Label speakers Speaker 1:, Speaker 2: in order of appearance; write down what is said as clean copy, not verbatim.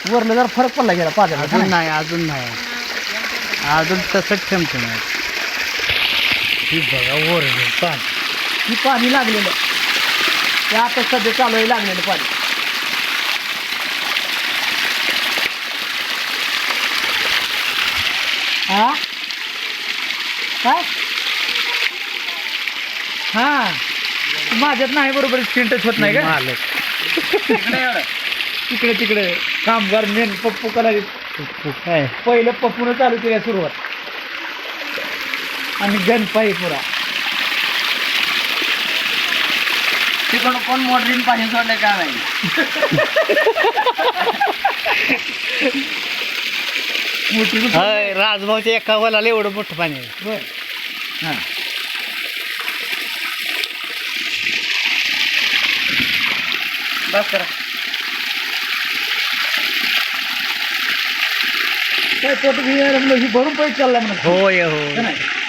Speaker 1: वरलं जरा फरक पडला गेला पाण्याला.
Speaker 2: अजून नाही अजून तसंच ठेमठेम आहे. ही बघा वर पाणी.
Speaker 1: ही पाणी लागलेलं ते आता सध्या चालू आहे लागलेलं पाणी. हा काय हा माझ्यात नाही बरोबर स्क्रीन टच होत नाही का
Speaker 2: मालक
Speaker 1: तिकडे कामगार मेन पप्पू कला
Speaker 2: काय
Speaker 1: पहिलं पप्पून चालू केल्या सुरुवात आणि गणपाई पुरा
Speaker 2: तिकडून कोण मोटरीन पाणी सोडलं का नाही. राजभाऊच्या एका वलाला एवढं मोठं पाणी आहे.
Speaker 1: बर हां
Speaker 2: बस करा.
Speaker 1: काय पोट भरून पैसे चालला म्हणून
Speaker 2: होय हो
Speaker 1: नाही